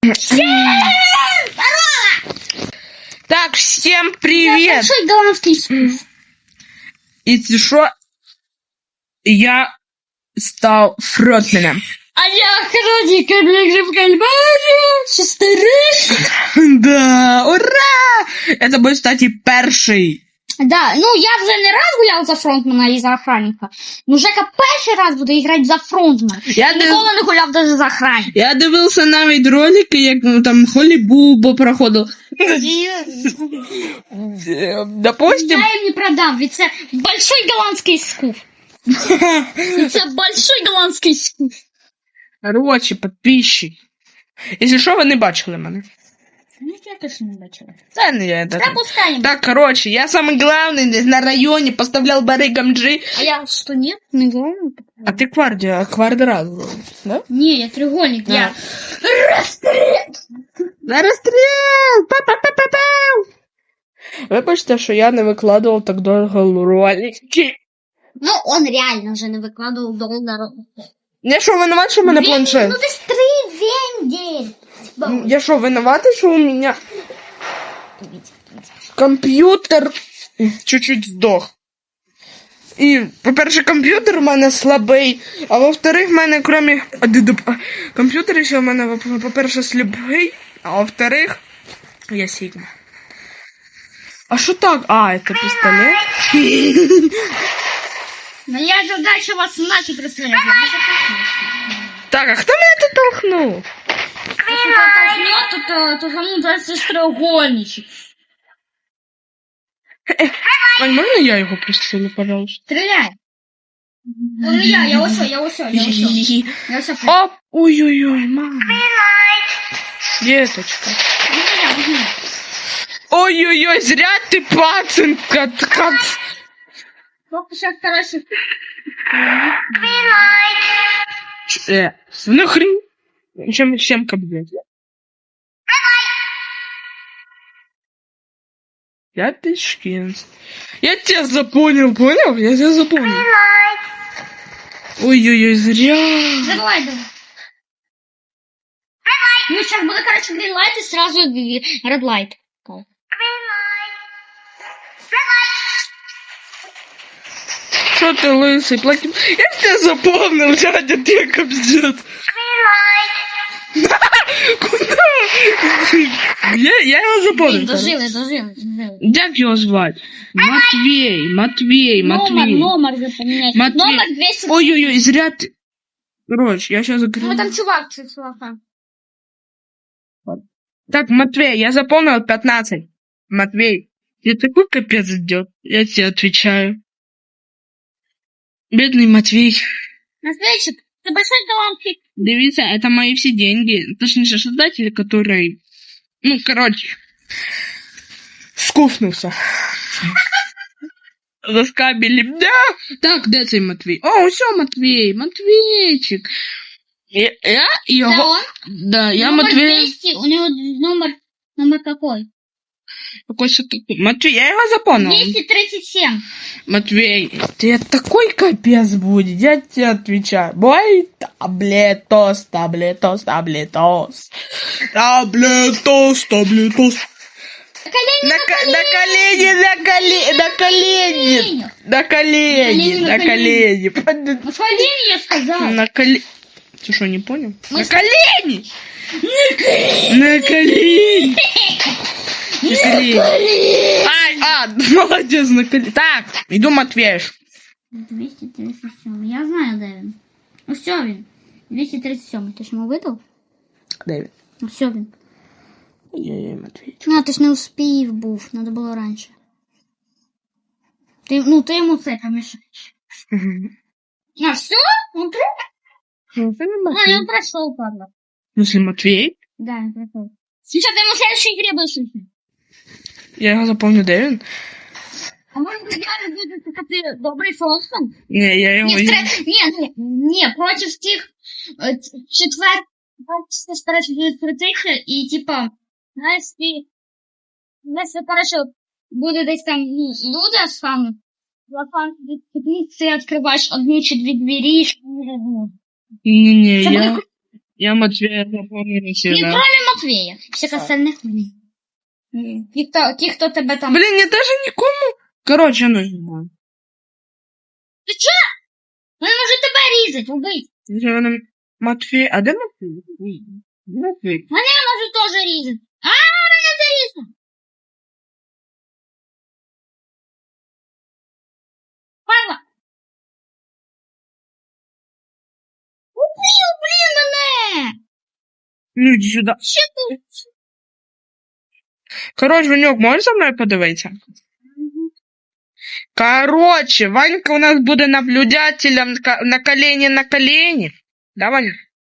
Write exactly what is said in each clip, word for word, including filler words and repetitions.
Так, всем привет! Большой голландский скуф. И что? Я стал фронтменом. А я хроника для Кальмарі. Шестерик. Да, ура! Это будет, кстати, перший. Да, ну я вже не раз гуляв за фронтмена і за охранника. Ну Жека перший раз буде грати за фронтмена. Я Ніколи не гуляв навіть за охранника. Я дивився навіть ролики, як ну, там Холібубо проходив. Допустим. Я їм не продам, ведь це большой голландський скуф. Це большой голландський скуф. Короче, підписчик. Якщо що, ви не бачили мене. Ну, я точно не бачила. Це не я. Это... Пропускаем. Так, короче, я самый главный здесь на районе, поставлял барыгам G. А я что, нет? Не главный? А ты кварди, квадрат, да? Не, я треугольник, А. я... Расстрел! На расстрел! Па-па-па-па-пау! Вибачте, що я не викладував так довго ролики. Ну, он реально вже не викладував доллар. Я що, виноват, що в мене планшет? Ну, десь три вендель. Я що, виноватий, що у мене комп'ютер чуть-чуть здох. І, по-перше, комп'ютер у мене слабий, а во-вторых, в мене, крім комп'ютера, ще в мене, по-перше, слабий, а во-вторых, я Сігма. А що так? А, це пістолет? Моя задача вас нафиг расстрелять. Так, а хто мене тут толкнув? Если кто толкнет, то, то, то кому дается треугольничек. Ань, можна я його пристрелю, пожалуйста? Стреляй. Ну, я, я усё, я усё, я усё. Я усё. Оп! Ой-ой-ой, мама. Деточка. Ой-ой-ой, зря ты пацанка. Как... Сколько сейчас хороших? Э, ну хрень. Чем, чем блядь? Я пешкин. Я тебя запомнил, понял? Я тебя запомнил. Ой-ой-ой, зря. Давай, давай. Ну, сейчас буду, короче, green light и сразу red light. Что ты лысый, платим? Я тебя запомнил, дядя, ты кобздец. Куда? Я, я его запомнил. Дожили, дожили, дожили. Как его звать? Матвей, Матвей, Номер, Матвей. номер же поменять. Матвей. Номер двести... Ой-ой-ой, зря ты... Короче, я сейчас закрыл. Ну, там чувак, чувака. Так, Матвей, я запомнил пятнадцать. Матвей, тебе такой капец идет, я тебе отвечаю. Бедный Матвей. Матвейчик, ты большой голландский. Дивіться, это мои все деньги. Точнее, создатель, который... Ну, короче, скуфнулся. Заскабили. Да! Так, де цей Матвей? О, все, Матвей, Матвейчик. Я, я его... Да, он? Да, я Номер Матвей. двести, у него номер... Номер какой? Какой же такой? Матвей, я его запомнил. двести тридцать семь. Матвей, ты такой капец будет, я тебе отвечаю. Бой, таблетос, таблетос, таблетос. Таблетос, таблетос. Колени, На, ко- на колени, на колени, на колени, на колени, на колени. На колени, я сказала. На колени. Ты что, не понял? Мы На с- колени! На колени. На колени! На колени! Ай, а, молодец, на колени. Так, иду Матвеюш. двести тридцать семь. Я знаю, Дэвин. Ну все, Вин. двести тридцать семь. Ты ж ему выдал? Дэвид. Ну все, Вин. Я Матвеюч. Ну, ти ж не успів був. Надо було раніше. Ти, ну, ти йому це помішаєш. А, все? Он прям? Ну, ты не А, Матвей. я прошел, падла. В смысле, Матвей? Да, я прошел. Сейчас ты ему в следующей игре будешь учить. Я его запомню, Дэвин. А может быть, реально будет, что ты добрый фронтмен? Не, я его... Не, в тре- не, не, не, против тих э, т- четвер... Бачите, короче, будуть крутитися, і, типа, знаєш, ти... Знаєш, короче, буде десь там, ну, люди з фану, за фан, ти відкриваєш одну чи дві двері, і... Не-не, Це я... буде Я Матвея запомнил И сильно. кроме Матвея. Всех остальных нет. М, Ті, хто, ті, хто тебе там... Блин, я даже никому. Короче, ну не знаю. Ти чо? Він може тебе різати, убить. Я говорю, Матвей, а де Матвей? Де Матвей? Мене може теж різати. А, мене зарізав. Павла. Убив, блін, мене. Ну, иди сюда. Що тут? Короче, Ванек, можешь со мной подивитися? Короче, Ванька у нас буде наблюдателем ка- на колени на колени. Да, Ваня?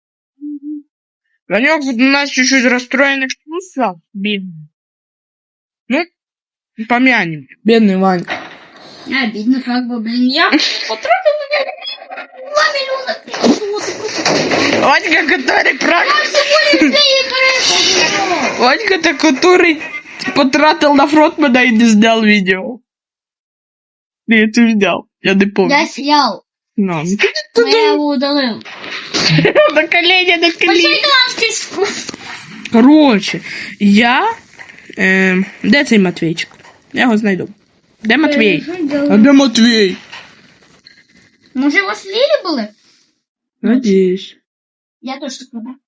Ванек у нас чуть-чуть расстроенных чувствах. Бедный. Ну, помянем. Бедный Ванька. А, бідно, как бы, блін, я потратив мене два мільйони. Ванька, который прав... Всього людей перепадало. Ванька-то, который потратил на фронтмена и не снял видео. Нет, ты снял. Я не помню. Я сняв. Ну, Я його удалив. на колени, на колени. Шотландський скуп. Короче, я... Е, де цей Матвійчик? Я його знайду. Де Матвій? А де Матвій? Може, у вас лілі були? Надіюсь. Я теж так роблю.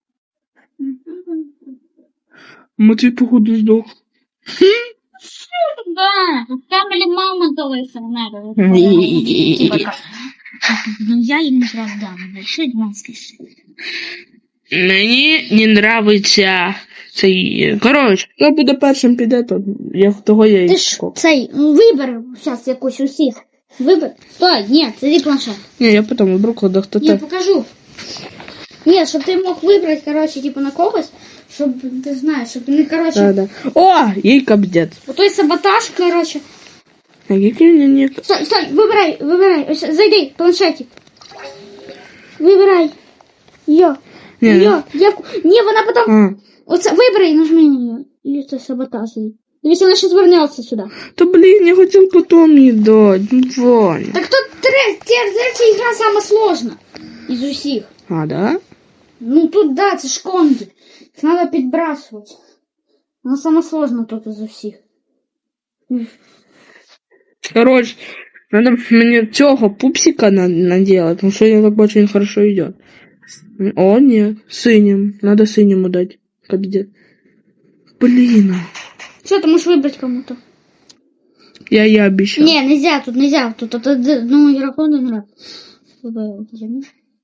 Матвій, походу, здох. Да, там или мама далися, не надо. Типа как. Ну, я їм не сразу дам. Шотландський скуп. Мені не нравиться цей... Коротше, хто буде першим піде, то я, того я і Ти ж скоп. цей, вибір зараз якусь усіх. Вибір. Стой, ні, це не планшет. Ні, я потім виберу, коли хто Я так. покажу. Ні, щоб ти мог вибрати, коротше, типу на когось, щоб ти знаєш, щоб не, коротше, Да, да. О, їй капдет. отой саботаж, коротше. А який мені не... Стой, стой, вибирай, вибирай, ось, зайди, планшетик. Вибирай. Йо. Ні, Йо, я... Ні, вона потім... А, Оце, вибирай, нажми на нее. Или це саботаж. Дивись, вона ще звернеться сюди. то блін, я хотів потім їй дати. Ну, Ваня. Так тут третя ігра сама сложна. Із усіх. А, да? Ну тут, да, це ж конги. Їх треба підбрасувати. Вона сама сложна тут із усіх. Короче, надо мне цього пупсика на наделать, потому что я так бачу, він хорошо идет. О, нет, синим. Надо синему дать. Капдет. Блин. Что, ты можешь выбрать кому-то? Я я обещал. Не, нельзя, тут нельзя. Тут от одному игроку не нравится. Выбрал, заметь.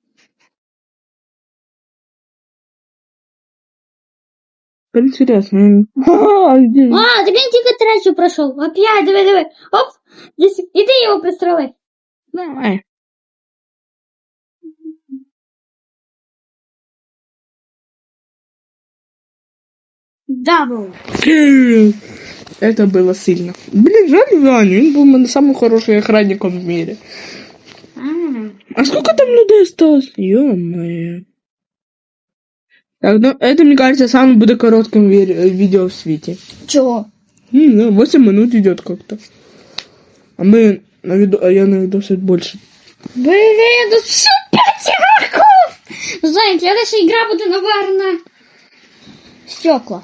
Интересно. А, где? А, так він тільки третю пройшов. Опять, давай, давай. Оп, здесь, іди його пристрели. Давай. Дабл. Это было сильно. Блин, жаль Ваню, он был на самым хорошим охранником в мире. А сколько там людей осталось? Ё-моё. Так, ну, это, мне кажется, самым будет коротким ви- видео в свете. Чого? Не знаю, восемь минут идет как-то. А мы на виду, а я на видосе больше. Блин, тут все пять игроков! Знаете, следующая игра будет, наверное, стекла.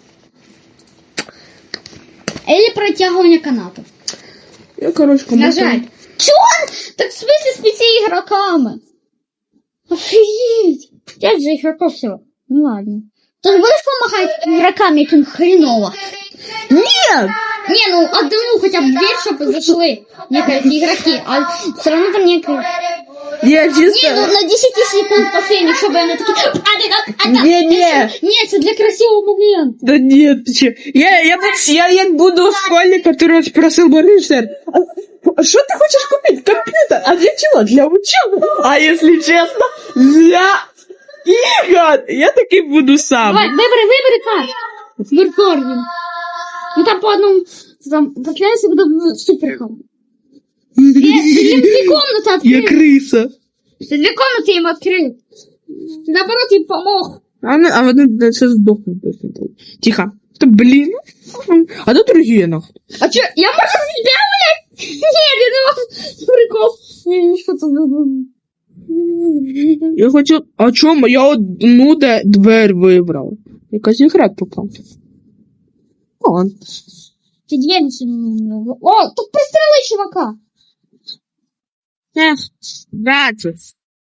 Или протягивание канатов. Я, короче, кому-то... Нажать. Чё он? Так в смысле с пяти игроками? Офигеть! Пять же игроков всего. Ну ладно. Ты же будешь помогать игрокам этим хреново? Нет! Не, ну одному хотя бы дверь, чтобы зашли некоторые игроки, а все равно там некоторые... Я Не, чисто... ну на десять секунд последних, чтобы они такие... А, ты как... А, Не, не. Нет, это для красивого момента. Да нет, ты че? Я, я, буду, я, я буду школьник, который спросил Борисер, а что ты хочешь купить? Компьютер? А для чего? Для учебы? А если честно, для игр. Я таки буду сам. Давай, выбери, выбери как. Меркориум. Ну там по одному... Там последний будет суперхом. Две, две комнаты Я открыл. крыса. Ты две комнаты им открыл. Ты наоборот им помог. А, она- а вот это сейчас сдохнет. Тихо. Да блин. А тут другие нахуй. А чё, я могу тебя, блядь? Нет, я не могу. Прикол. Я не что-то... Я хочу... А чому? Я одну де- дверь вибрав. Якась ігра попав. О, Ти дві не сильно. О, тут пристрели чувака. ех, бачиш.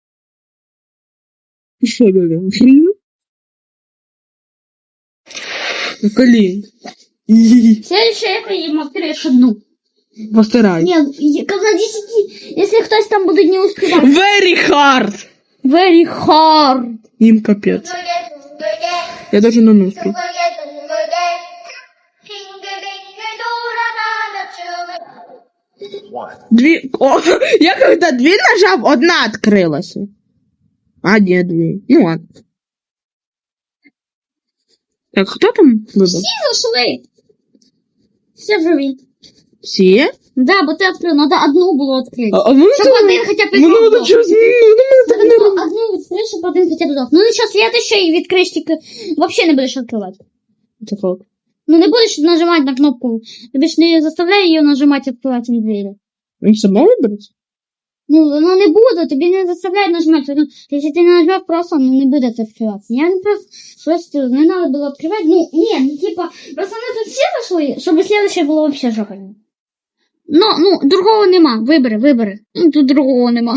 Що таке? На колін. Следующее я їм відкриєш одну. Постарай. Ні, як на десяти, якщо хтось там буде не успівати. Very hard. Very hard. Им капец. Я даже на нос успел. Две... О, я когда две нажал, одна открылась. А, нет, две. Ну ладно. Так, кто там выбрал? Всі зайшли. Все живі. Все? Да, бо ти відкрив, надо одну було відкрити. А, а ну Щоб что? один хоча б Ну, здох. надо что? Одну, одну відкрив, щоб один хоча б здох. Ну нічого, следующий відкриєш, тільки вообще не будеш відкривати. Ну не будеш нажимати на кнопку. Тобі ж не заставляй її нажимати відкривати двері. Он сама выбрать? Ну, воно не буде, тобі не заставляють нажимати. Ну, якщо ти не нажмеш просто, ну не буде це відкриватися. Я не просто, просто не треба було відкривати. Ну, ні, ну типа, просто ми тут всі зайшли, щоб слідуще було вообще жопально. Ну, ну, другого нема. Вибери, вибери. Ну, тут другого нема.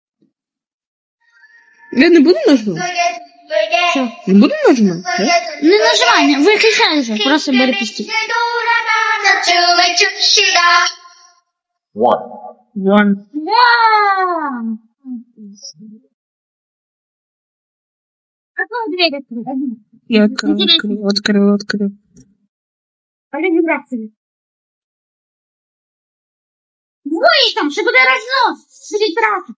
Я не буду нажимать? Що? Не буду нажимать? Да? Не нажимай, не виключай вже, просто бери пустіть. One. One. Вау! Какую дверь открыть? Я открыл, открыл, открыл, открыл. Пойдем вибрации. Двое там, что куда разнос? Среди трассы.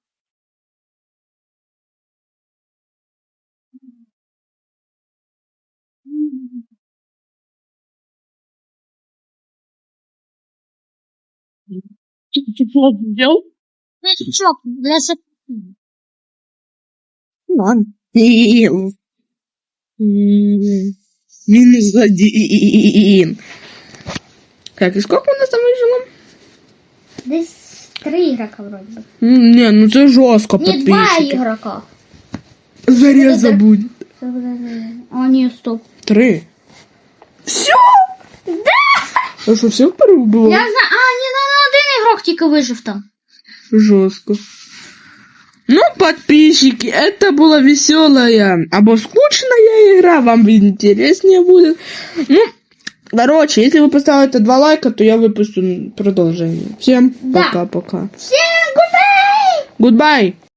Ты что сделал? Чувак, для шаг... Ладно. М, Минус один. Так, и сколько у нас там выжило? Здесь три игрока вроде бы. М, Не, ну это жестко, Нет, два подписчики. игрока. Зареза будет. А, нет, стоп. Три. Все? Да! А что, всех порубило? Я знаю, а, не, ну, ну, один игрок тільки вижив там. Жестко. Ну, подписчики, это была веселая, або скучная игра, вам интереснее будет. Ну, короче, если вы поставите два лайка, то я выпущу продолжение. Всем Да. пока-пока. Всем гудбай! Goodbye.